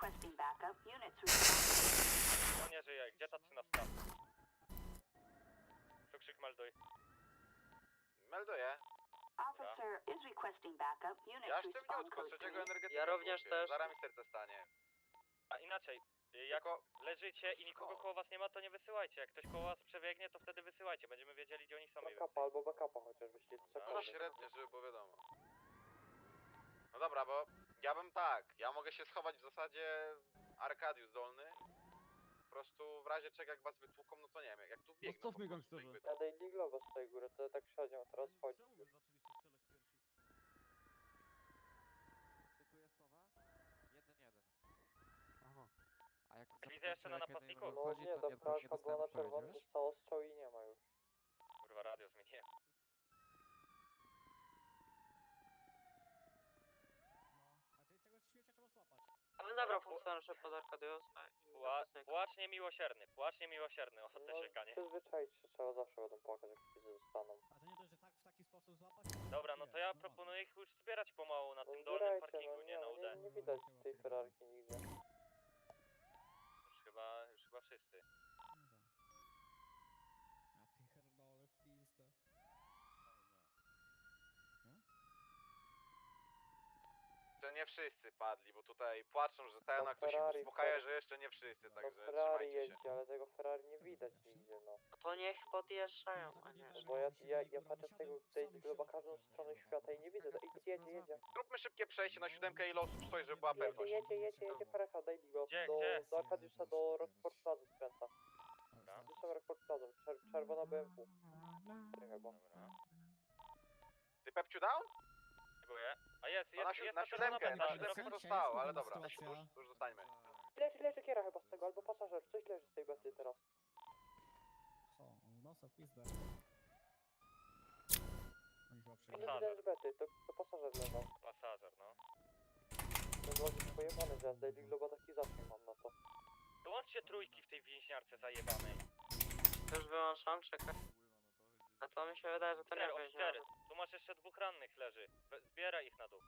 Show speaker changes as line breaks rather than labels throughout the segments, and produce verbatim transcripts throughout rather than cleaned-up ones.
No nie żyje, gdzie ta trzynastka? Cukrzyk melduj.
Melduję. Ja sztywniutko, trzeciego energetyka.
Ja również też.
Zaraz mi serce stanie.
A inaczej, jak leżycie i nikogo koło was nie ma, to nie wysyłajcie. Jak ktoś koło was przebiegnie, to wtedy wysyłajcie. Będziemy wiedzieli, gdzie oni są.
Backupa albo backupa chociaż byście
No
cokolwiek.
średnio, żeby było wiadomo. No dobra, bo ja bym tak, ja mogę się schować w zasadzie Arkadiusz Dolny. Po prostu w razie czego jak was wytłuką, no to nie wiem, jak, jak tu biegną.
Zostawmy
po prostu,
gangsterze.
jakby-
Ja Daily Globo z tej góry, to tak średnio teraz chodzi.
Czemu wy zaczęliście strzelać pierwsi?
Cytuję słowa? Jeden, jeden. Aha. A jak
Widzę
zapytam
jeszcze na
cię, kiedy
napastniku.
No
wychodzi,
nie,
to
ta
nie, nie
pralka była
dostałem
na
odpowiedzi,
czerwono,
wiesz?
zostało strzał i nie ma już.
Kurwa, radio zmieniłem.
Ale dobra, funkcjonariusze pod Arkadiusa i
Pła
napastnika.
płacz niemiłosierny, płacz niemiłosierny, o te
No
siekanie.
przyzwyczaić się trzeba, zawsze będą płakać jak widzę dostaną.
A to nie dość, że tak w taki sposób złapać?
Dobra, no to ja proponuję ich już zbierać pomału na
No
tym dolnym
zbierajcie,
parkingu,
no
nie na U D.
nie, nie widać tej Ferrarki nigdzie.
Już chyba, już chyba wszyscy.
Ja pierdolę w pizdę.
To nie wszyscy padli, bo tutaj płaczą, że ten,
No
a ktoś się
Ferrari,
uspokaja,
Ferrari.
że jeszcze nie wszyscy,
No
także
Ferrari
trzymajcie się.
jeździ, ale tego Ferrari nie widać nigdzie, no.
To niech podjeżdżają, a nie.
No bo ja, ja, ja patrzę z tego Daily Globa każdą stronę świata i nie widzę, i jedzie, jedzie.
Zróbmy szybkie przejście na siódemkę i losów stoi, żeby była
Jedzie,
pewność.
jedzie, jedzie, jedzie parecha Daily Globe
Gdzie,
do,
gdzie?
do Arkadiusza, do Rockport Plaza skręca.
Dobra.
Gdzieś tam Rockport Plaza, czer czerwona B M W. Chyba.
Dobra.
Ty Pepciu down?
Dziękuję. A jest,
No
jest,
na, si
jest
na
ta
siódemkę,
czerwona
na
pętla.
siódemkę to zostało, ale dobra, już, już zostańmy.
Leży, leży kiera chyba z tego, albo pasażer, coś leży z tej bety teraz.
Co? No co, pizdę. Oni chyba
Nie
przyjechali.
widać z bety, to, to pasażer leżał.
Pasażer, no.
To było już pojebane, że ja z Daily Globa taki zasięg mam na to.
Dołączcie trójki w tej więźniarce zajebanej.
Już wyłączam, czekaj. A to mi się wydaje, że to nie
Cztery,
będzie.
cztery. Tu masz jeszcze dwóch rannych leży. We- Zbieraj ich na dół.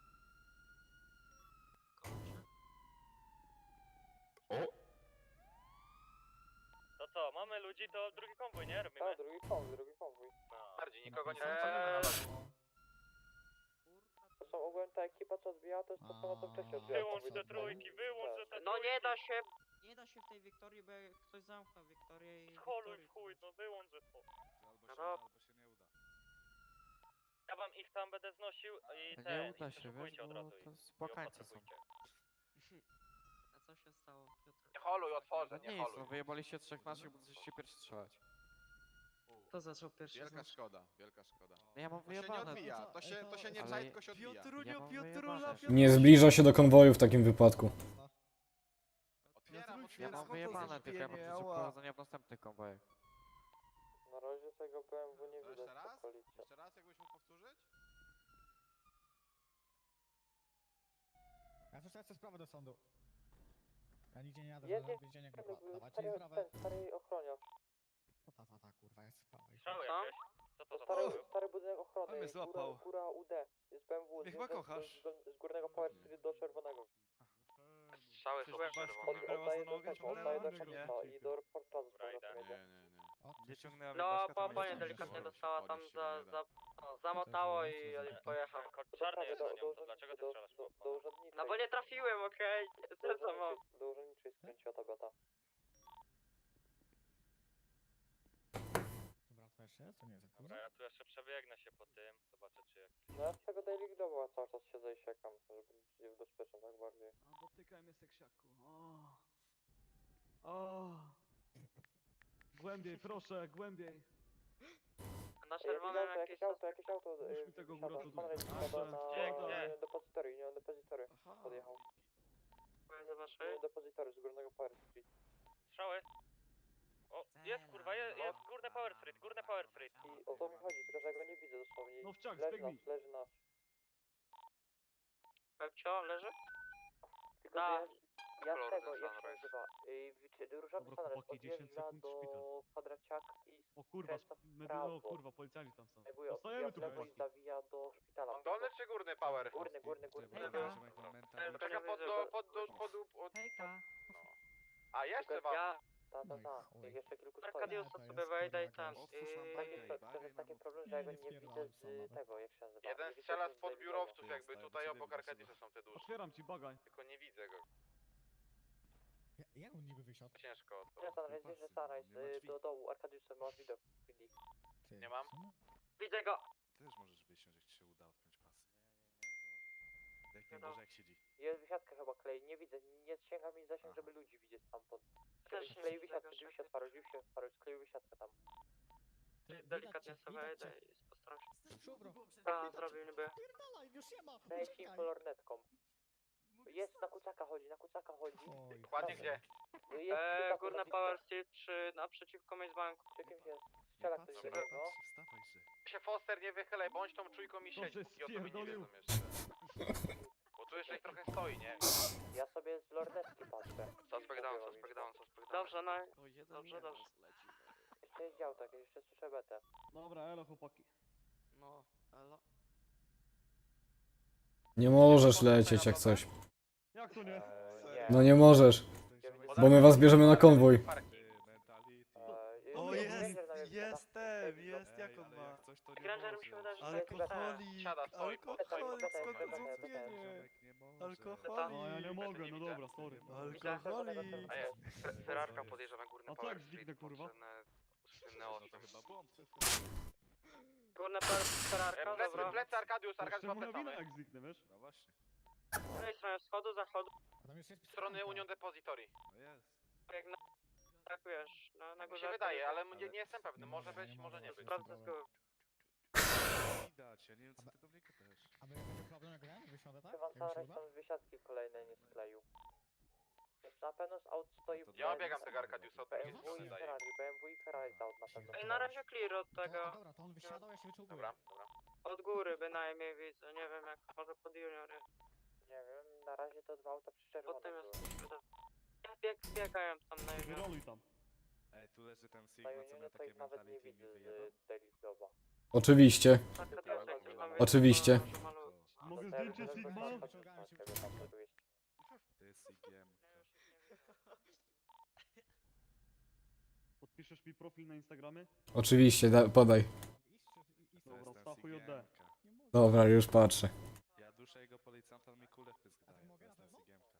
To co, mamy ludzi, to drugi konwój, nie? Robimy?
A, drugi konwój, drugi konwój.
No.
Bardziej, nikogo nie
Eee.
eee...
To są ogólnie ta ekipa, co odbijała, to jest to samo, co wcześniej odbijała.
Wyłącz
konwój
te
do
trójki,
Daily.
wyłącz
Tak.
te
No
trójki.
nie da się.
Nie da się w tej Wiktorii, bo jak ktoś zamknął Wiktorię i...
Holuj
Wiktorię,
w chuj, no wyłącz to.
No to
Ja wam ich tam będę znosił i
to
te,
nie uda
i
się,
przeszukujcie
wiesz,
od
bo
razu
to
ich.
spłakańcy są.
A co się stało, Piotr?
Nie holuj, otworzę,
No
nie
nie nic, no
holuj.
wyjebaliście trzech naszych, bo zaczęliście pierwszy strzelać.
Kto zaczął pierwszy
Wielka
znać?
szkoda, wielka szkoda.
No ja mam
To się nie
wyjebane.
odbija, to się, to się nie
Ale-
czai, tylko się odbija.
Ja mam wyjebane.
Nie zbliża się do konwoju w takim wypadku.
Otwieram,
Ja
otwieram.
mam wyjebane, tylko ja mam dużo prowadzenia w następnych konwojach.
Na razie tego B M W nie
To
widać
jeszcze
w
raz?
okolicy.
Jeszcze raz, jakbyś mógł powtórzyć?
Ja też lecę sprawę do sądu. Ja nigdzie nie jadę,
Jedzie,
żadnego więzienia, kurwa. Dawajcie
Stary,
sprawę.
ten stary ochroniarz.
No ta, ta, ta, kurwa, jest sprawa.
Strzały
Co?
jakieś? Co to za
Stary,
strzały?
stary budynek ochrony,
Ale mnie
góra,
złapał.
góra U D. Jest B M W, z,
Mnie chyba
z,
kochasz.
z, z górnego Power Street do czerwonego.
Strzały
Przecież
chyba
babka
czerwone.
mi brała
Oddaję
za
do
nogę,
tego, oddaję do
ciągnęła
Kalifa
mnie.
i do Port Plaza z
Dobra, idę.
powrotem
Nie,
jedzie.
nie, nie.
O,
Gdzie ciągnęła
No,
babka, to
po,
mnie
panie
tam
delikatnie
wyszło.
dostała tam
Podnieść się
za,
nie da.
za, no, zamotało i
To
pojechał.
Kod czarny jest
do,
na
do,
nią, to
do,
dlaczego ty
do,
strzelasz
do,
po
do urzędniczej.
No bo nie trafiłem, okej?
Do
Okay? Co mam?
urzędniczej, do urzędniczej skręciła ta beta.
Dobra, to jeszcze raz, to nie jest za
Dobra, ja tu jeszcze przebiegnę się po tym, zobaczę czy jak...
No ja z tego Daily Globa cały czas siedzę i siekam, żeby być bezpieczny tak bardziej.
A dotykaj mnie seksiaku. O. O. Głębiej, proszę, głębiej.
Na
Ej,
czerwonym
jakieś
jakieś...
auto, jakieś auto, jakieś auto,
Puść
y,
mi tego
wsiada,
grota
pan Rejs
tutaj.
wsiada na
Gdzie, gdzie?
nie, depozytory, nie, depozytory podjechał.
Zobaczy.
Nie, depozytory z górnego Power Street.
Strzały? O, jest kurwa, jest, jest górne Power Street, górne Power Street.
I o to mi chodzi, tylko że ja go nie widzę dosłownie.
No wciąg,
Leży
zbiegnij.
nasz, leży nasz.
Pepcio, leży?
Tylko
Da.
że Ja z tego, jak się nazywa, y, czy różowy
Dobra,
sunrise
chłopaki, dziesięć
odjeżdża
sekund,
do
szpital.
kwadraciaka i
O kurwa,
skręca w
medy...
prawo.
o kurwa, policjanci tam są.
Zajmuje odbija
Zostajemy
w
tu,
lewo i
chłopaki.
zawija do szpitala.
On dolny czy górny power?
Górny, górny, górny.
Hejka.
Czekam pod do, pod do, pod, pod,
Hejka.
no. A jeszcze wam.
Ja
Ta, ta,
Oj,
ta.
chuj.
Jak jeszcze kilku stoi.
Arkadiusa
Nie, to
sobie
jest,
wejdę i
kurwa,
tam.
gość.
Tak,
Yy,
to, to jest taki problem, że
Nie,
ja go
nie
nie widzę
wpierdalaj
z
sam nawet.
tego, jak się nazywa.
Jeden
Nie widzę
strzela
go z
spod biurowców,
Ty,
jakby
stary,
tutaj
bo
obok
ciebie
Arkadiusa
wysyła.
są te dusze.
Otwieram ci bagań.
Tylko nie widzę go.
Ja- Jak on niby wysiadł?
Ciężko to.
Nie, Sunrise, wiesz, że Sunrise, y, do dołu, Arkadiusa masz widok. Widzi.
Ty,
Nie mam.
w sumie?
widzę go.
Też możesz wysiąść, jak ci się uda odpiąć pasy. Jak nie
No.
może, jak siedzi.
Jest wysiadka chyba klei, nie widzę, nie sięga mi zasięg,
Aha.
żeby ludzi widzieć stamtąd.
Też nie
Klei
widzę
wysiadkę,
tego,
drzwi
że-
się otwarły, drzwi się otwarły, skleił wysiadkę tam.
Ty, widać
Delikatnie
cię,
sobie
widać
wejdę
cię.
i postaram się.
Szubro.
A, zrobił niby.
Pierdalaj, już nie ma.
Daj ci
uciekaj.
kolornetką. Jest, na kucaka chodzi, na kucaka chodzi.
Oj,
Dokładnie
chuj.
gdzie?
Jest
Eee,
kucaku
górna
na
Power Steel trzy naprzeciwko Maze Banku.
Przy kimś jest.
Nie
Strzela
patrz,
ktoś
nie
do niego.
patrz, wstawaj, że.
Się Foster nie wychylaj, bądź tą czujką i siedź,
Dobrze,
póki o to mi nie
spierdolił.
wiedzą jeszcze. Bo tu jeszcze ich trochę stoi, nie?
Ja sobie z lornetki patrzę.
Suspect down, suspect down, suspect down.
Dobrze, no.
O, jeden
Dobrze, dobrze.
Jeszcze jest dział tak, jeszcze słyszę betę.
Dobra, elo chłopaki.
No, elo.
Nie możesz lecieć jak coś.
Jak to nie?
Eee, nie.
No nie możesz, bo my was bierzemy na konwój.
Ty, mentality.
Eee,
O,
jest,
jest,
Granger na mnie wysiada.
jestem,
Ej,
jest,
Ej,
jak on
ale
ma?
jak coś, to nie
Granger mi się
możesz.
wydaje, że to jest
Alkoholik,
Siada, stoi,
alkoholik,
Betę,
skąd
betę,
to
betę, betę.
zgubienie?
Ziomek nie może.
Alkoholik.
No ja nie mogę, no dobra, sorry.
Alkoholik.
A jest, Ferrarka podjeżdża na górny
A co
Power
jak
Street,
zniknę, kurwa?
potrzebne słynne
No
osiem.
to chyba błąd.
Górna Power Ferrarka,
E, Plecy,
dobra.
plecy Arkadius,
To
Arkadius
jeszcze
ma
moja wina
plecamy.
jak zniknę, wiesz?
No właśnie.
Z tej strony wschodu, zachodu.
A tam jeszcze jest
Z strony
pistolanka.
Union Depository.
No jest.
Jak na... Tak wiesz, na, na
Tak mi
górze.
się wydaje, ale
Ale-
nie, nie jestem pewny.
Nie
Może
może,
być,
nie
może
może
nie
być.
być.
Sprawdzę z góry.
Widać, ja nie wiem co ty do mnie gadasz.
A wy będzie problem jak ja wysiądę, tak?
Chyba
Jak mi się
Sunrise
uda?
tam wysiadki kolejne nie skleił. Na pewno z aut stoi
To
Ja
Ej,
obiegam
no
tego Arkadiusa od drugiej
B M W
strony
i
daje.
Ferrari, B M W i Ferrari z aut na pewno.
Ej, na razie clear od
To,
tego.
dobra, to on wysiadał, ja się wyczułkuję.
Dobra, dobra.
Od góry bynajmniej widzę, nie wiem jak, może pod juniory.
Nie wiem, na razie to dwa auta
Pod
przyczerwone
tym
były.
jest... Ja bieg, biegają tam na junior.
Wyroluj tam.
Ej, tu leży ten
Na
Sigma, co
Unionie
miał
to
takie
ich nawet nie
mentality i mi
widzę
wyjebał.
z Daily Doba.
Oczywiście. Oczywiście.
Mogę zdjęcie Sigma?
Wyciągałem się,
To jest Sigmka.
Podpiszesz mi profil na Instagramie?
Oczywiście, da, podaj.
Iść czy- i- i-
To
Dobra,
jest ten
Stachu J D.
Sigmka.
Nie mogę.
Dobra, już patrzę.
Ja duszę jego policjanta, on mi kulę w pysk
A to
daje.
mogę
To jest
na
ten
pewno?
Sigmka.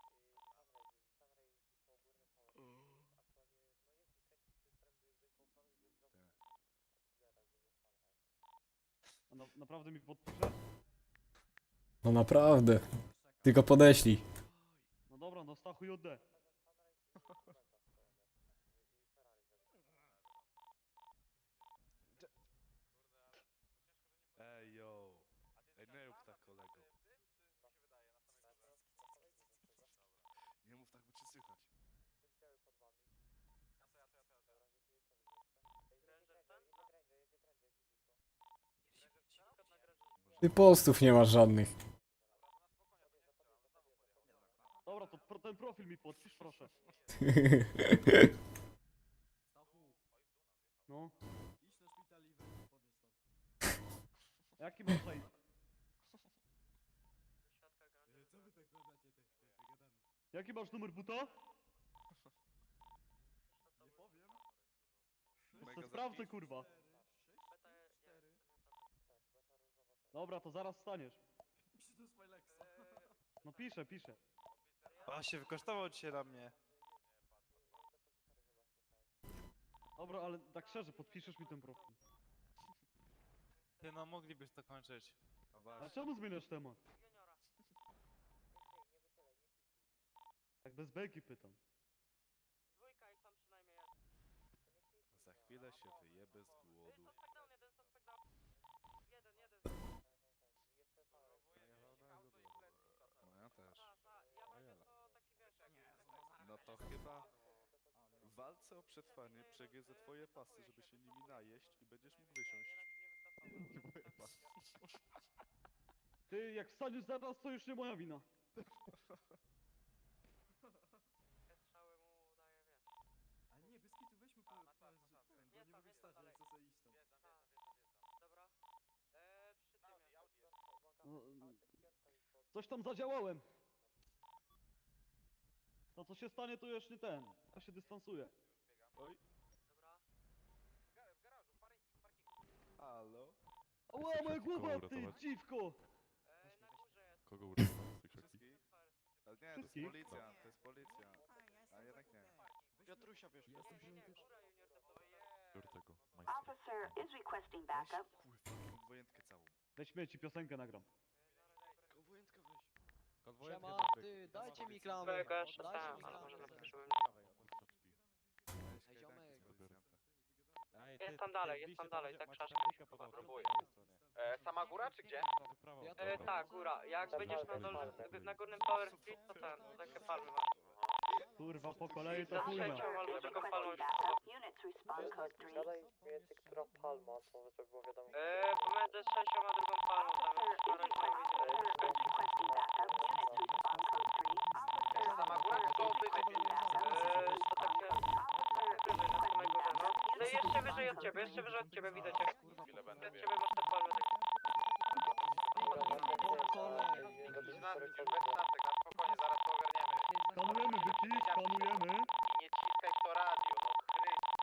A na, naprawdę mi podpiszesz?
No naprawdę. Tylko podeślij.
No dobra, no Stachu J D.
Ej, yo. Ej, nie rób tak, kolego. Nie mów tak, bo cię słychać.
Ty postów nie masz żadnych.
Dobra, to pro, ten profil mi podpisz, proszę. No.
Idź na szpital i weź podnieś stąd.
Jaki masz aj?
Co wy tak gadacie, ty, ty, wygadamy.
Jaki masz numer buta?
Nie powiem.
To sprawdzę, kurwa. Dobra, to zaraz wstaniesz.
Pisz do Smilexa.
No piszę, piszę.
A się wykosztował dzisiaj na mnie.
Dobra, ale tak szczerze, podpiszesz mi ten profil.
Ty no, moglibyś to kończyć.
No
A
właśnie.
czemu zmieniasz temat? Tak bez bejki pytam.
Dwójka ich tam przynajmniej jest.
Za chwilę się wyjebę z głodu.
Suspect down, jeden suspect down. Jeden, jeden.
No ja też.
Ta, ta, ja będzie to taki wiesz, jak...
No to chyba w walce o przetrwanie przegryzę twoje pasy, żeby się nimi najeść i będziesz mógł wysiąść.
Ty, jak wstaniesz zaraz, to już nie moja wina. Coś tam zadziałałem. To co się stanie, to już nie ten. Ja się dystansuję.
Oj. Halo?
Ała, moja głowa, ty dziwko!
Kogo uratować? Wszystkich? Ale nie, to jest
Wszystkich?
policja, to jest policja. A jednak nie.
Piotrusia wiesz,
Jestem żółty.
Biorę tego,
Officer is requesting backup.
Kurwa, dwojętkę całą.
Weź śmieci, piosenkę nagram.
Konwojętka weź.
Konwojentkę
Siema,
do
ty, dajcie mi klamę.
Twojego jeszcze
Dajcie
tam,
mi
ale
klamę.
może napiszę, żebym...
Ej, ziomek.
Jest tam dalej, jest tam dalej, tak trzeba
Próbuję. E, sama góra czy gdzie?
Ja
E,
tu-
tak, góra. Jak będziesz na dole, na górnym Power Street, to ten, to takie palmy masz.
Kurwa, po kolei to
Za
chujna.
trzecią albo drugą palmą już
Units respond code three.
Gadaj między która palma, to żeby było wiadomo.
Eee, pomiędzy trzecią a drugą palmą, tam jest
Officer is
parę
requesting, is requesting backup. Units respond code three. Officer
Sama góra czy to wyżej?
Eee, to takie... Wyżej, na samej górze, no. No i jeszcze wyżej od ciebie, jeszcze wyżej od ciebie widać jak...
Chwilę będę
Od
biegł.
ciebie masz te palmy tak...
Trzynasty, bez trzynastek, na spokojnie, zaraz to ogarniemy.
Skanujemy, byki, skanujemy.
I nie ciskaj w to radio, no Chryste.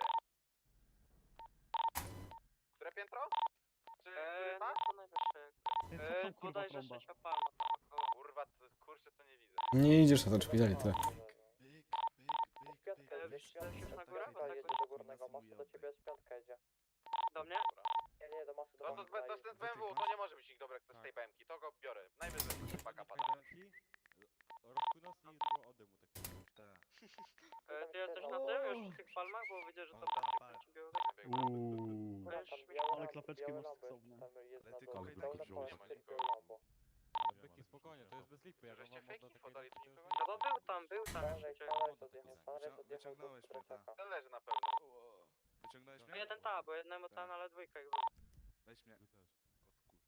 Które piętro? Czy
Eee,
ta?
no to najwyższe jakby.
Ty, co
Eee,
tam kurwa
bodajże
trąba?
trzecia palma tam około.
Kurwa, to, kurczę, to nie widzę.
Nie idziesz na ten szpital i tyle.
Byk, byk, byk,
Piątka
byk.
jedzie,
Chcesz już na górę?
piątka
Tak,
jedzie
tak.
do górnego mostu, do ciebie jest piątka jedzie.
Do mnie?
Nie, nie, do masy, do
No to,
masy.
to, to z tym B M W, to nie może być nikt dobry jak to z tej B M ki, to go biorę. Najwyżej baka pada.
Rozpłynął i było ode mu tak.
Tak.
Eee, ty jesteś na tym już w tych palmach? Bo widzę, że tam
O,
takie
pa, pa.
kończy białe.
Uuuu.
Tam
Weź mi-
białe
Ale
lampy,
klapeczki
białe
masz
lampy,
stosowne.
tam jest
Ale
na
ty
dole,
kogo i
pełne
tak
pełne
wziąłeś?
tylko Lambo.
Byki spokojnie, to jest bez lipy, jak on
Żeście
wam
fake
odda
info
takie
dali, to
rzeczy,
nikogo
No bo był tam, był tam
Stanley,
przecież.
Stanley odjechał, Stanley
Wycią-
odjechał do
wyciągnąłeś mnie,
Streciaka.
Ten leży na pewno.
Ło. Wyciągnąłeś
No
mnie?
jeden ta, bo jednemu ten, ale dwójka ich był.
Weź mnie. Odkur, odkurne.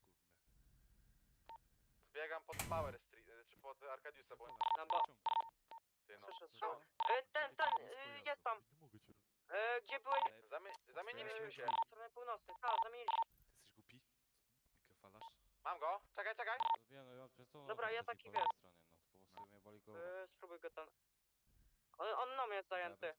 Zbiegam pod Power Street, e, czy pod Arkadiusa, bo
No bo...
ty no.
Słyszę strzał. E, ten, ten, e, jest tam. E, gdzie byłeś?
Zamie zamieniliśmy się.
W stronę północnej. Tak, zamieniliśmy.
Ty jesteś głupi? Jakie falasz?
Mam go, czekaj, czekaj.
Wiem, no, ja przez co
Dobra, ja taki
po
wiesz.
stronie, no, tylko w sumie woli go...
E, spróbuj go ten. On, on nam jest zajęty.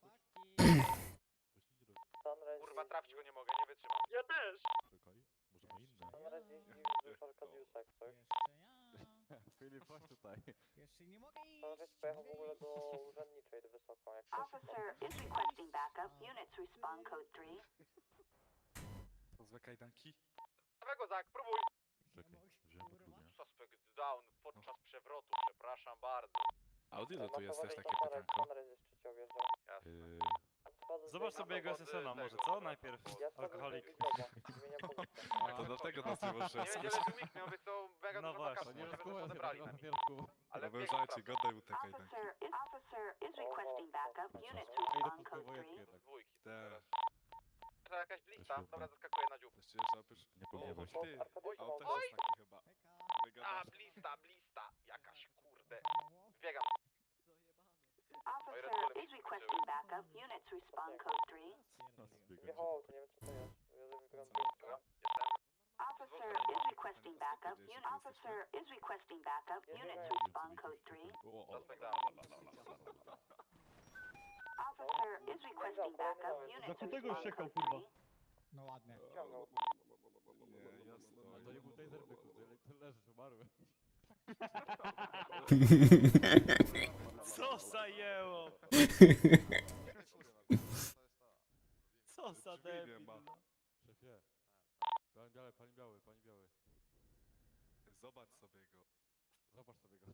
Sunrise
Kurwa,
jeździ-
trafić go nie mogę, nie wytrzymam.
Ja też.
Czekaj, może ma inne.
Sunrise jeździ wzdłuż Arkadiusa, jak coś.
Jeszcze ja.
Filip, chodź tutaj.
Jeszcze nie mogę iść.
Sunrise pojechał w ogóle do urzędniczej, do wysoką, jak coś.
Officer is requesting backup. Units respond code three.
To złe kajdanki?
Dawaj Zak, próbuj.
Czekaj,
mogę,
wziąłem
kurwa.
podróbę.
Suspect down podczas przewrotu, przepraszam bardzo.
A od ilu
Ma
tu jest też
powodzenie,
takie
Sunrise,
pytanko?
Sunrise jest trzeci objeżdżał.
Jasne.
Yy,
Schodzę z
Zobacz
tej-
sobie jego
Albo
S S N-a
od
może,
tego,
co?
albo
Najpierw.
od-
Ja schodzę z
Alkoholik.
tej Widlowa, zmieniam pozycję.
To dlatego nas nie możesz
Nie będzie
reskuć.
leży weak, miał być to mega
No
dużo
właśnie,
backupu,
nie
żeby to
rozkułem się
odebrali
na
na nich.
wielku.
Ale
Ale
biegł
wężajcie,
prawda.
godaj mu te kajdanki.
Officer is officer is requesting backup. Units
Ej, do
respond
tylko
code
wojenki
three.
jednak.
Dwójki.
Te.
teraz. To jakaś blista,
Świetne.
dobra, zaskakuję na dziób.
Właściwie, że oprócz...
Nie
O,
pogniewaj się.
ty!
Arkadiusa
A
ma
on też
Oj!
jest taki chyba.
Heka.
A,
Wygadasz.
blista, blista, jakaś kurde.
Mało.
Biegam.
Officer is requesting backup. Units respond code three.
Wjechało auto, nie wiem co to jest. Ja wygląda
Dobra, jestem.
Officer is requesting backup. Un- officer is requesting backup. Units respond code three.
Suspect down.
Officer is requesting backup. Units
Zakutego
respond
ściekał,
code
kurwa.
three.
No ładnie.
Ciągnął.
Nie, jasno.
Ale to nie był taser byku, to leżysz, umarły.
Co zajęło? Co za
Drzwi nie
debil.
ma.
no.
Szefie. Pani biały, pani biały, pani biały.
Zobacz sobie go.
Zobacz sobie go.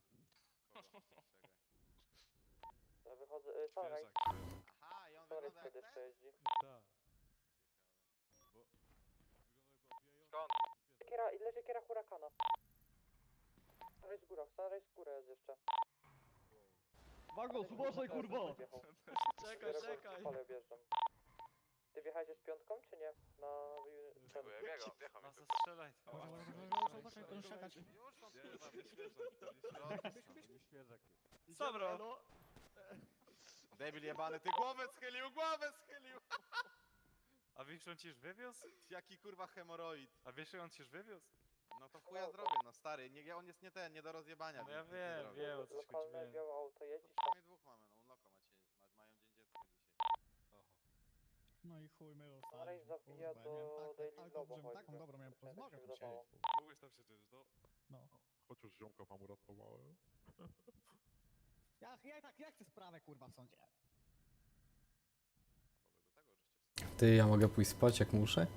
Ja wychodzę, y, Sunrise,
Świeżak, świeżak.
Aha, i on
Sunrise wtedy jeszcze jeździ.
Tak. Bo... Wygląda jakby odbijający.
Skąd?
Kiera, i leży kiera hurakana. Sunrise w górach, Sunrise w górę jest jeszcze.
Magos, uważaj, kurwa!
Wjechał.
Czekaj,
Biorę
czekaj.
go, ale objeżdżam. Ty wjechałeś z piątką, czy nie? Na...
Dziękuję, biegał, wjechał mi
Ma
tu.
zastrzelać.
Uważaj, uważaj, uważaj, uważaj, to już szakać.
Nie, to nie świeżak, to nie świeżak.
Nie świeżak jest.
Co bro?
Debil jebany, ty głowę schylił, głowę schylił!
A wiesz, on ci już wywiózł?
Jaki kurwa hemoroid.
A wiesz, on ci już wywiózł?
No to chuja zrobię, no stary, nie, on jest nie ten, nie do rozjebania.
No ja
więc nic nie
wiem,
zrobię.
wiem o co ci chodzi.
Lokalne
wiem.
białe auto jeździ.
Przynajmniej dwóch mamy, no unlocka macie, ma, mają dzień dziecka dzisiaj.
No i chuj, my
Sunrise zabija do Daily Globo
Taką
choćby.
dobrą miałem
Tak mi się
porozmawiać
wydawało.
Mogłeś tam siedzieć, no.
No.
Chociaż ziomka wam uratowałem.
Ja, ja, tak, ja chcę sprawę kurwa w sądzie.
Bo wy do tego żeście
Ty, ja mogę pójść spać jak muszę?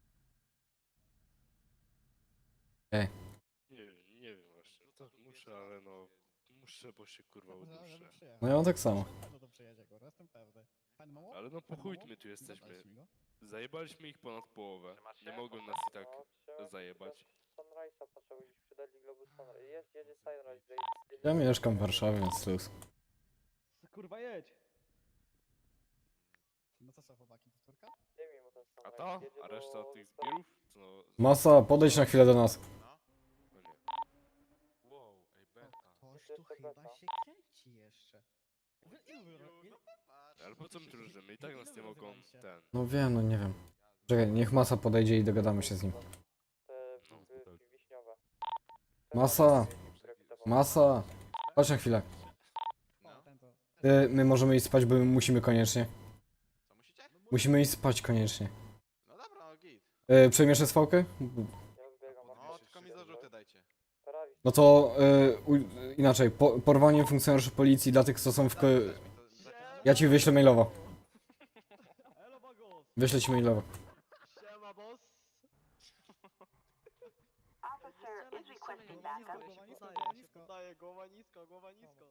Ej,
Nie wiem, nie wiem właśnie. Tak muszę, ale no... Muszę, bo się kurwa
Żeby
uduszę.
przyjechał.
no ja mam tak samo.
Na pewno to przyjedzie kurwa, jestem pewny. Pan Moło?
Ale no po
Pan
chuj
Moło?
my tu jesteśmy.
Zadaliście mi go?
Zajebaliśmy ich ponad połowę.
Trzymasz się?
Nie mogą nas i tak
No, chciałem
zajebać.
Sunrise'a patrzę gdzieś przy Daily Globo Sunrise. Jest, jedzie Sunrise.
Ja mieszkam w Warszawie, więc luz.
Kurwa jedź!
No to co chłopaki, powtórka?
Dymi mu ten
A
Sunrise.
to?
Jedzie
A
do-
reszta tych zbirów? Co?
Masa, podejdź na chwilę do nas.
No.
No nie. Wow, ej beta.
Ktoś
tu
tu
chyba
chyba się kręci jeszcze. Wy, ilu wy, ilu,
Ale po co my tu ruszymy? I tak nas nie mogą ten...
No wiem, no nie wiem. Czekaj, niech Masa podejdzie i dogadamy się z nim.
Te
No,
wi-
tak.
wiśniowe.
Masa!
Które kupował.
Masa! Chodź na chwilę.
o,
No.
ten to.
Ty, my możemy iść spać, bo my musimy koniecznie.
Co musicie?
Musimy iść spać koniecznie.
No dobra, no git.
Yy, przejmiesz S V-kę?
Ja zbiegam.
No, tylko mi zarzuty dajcie.
Ferrari.
No to yy, u, inaczej, po, porwanie funkcjonariuszy policji dla tych, co są w... Ko-
Dać mi to, dać mi
ja ci wyślę mailowo.
Elo Bagos!
Wyślę ci mailowo.
Siema boss!
Officer is requesting
Głowa
backup.
nisko, głowa nisko,
Podaję,
głowa
się
nisko.
podaję, głowa nisko, głowa nisko.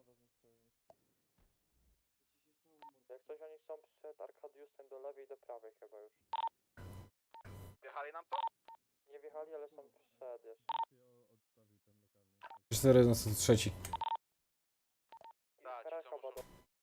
Jak coś oni są przed Arkadiusem do lewej i do prawej chyba już.
Wjechali nam to?
Nie wjechali, ale są przed jeszcze.
cztery jeden trzy.
I
Tak, ci
Ferrari
co
chyba
muszą-
do...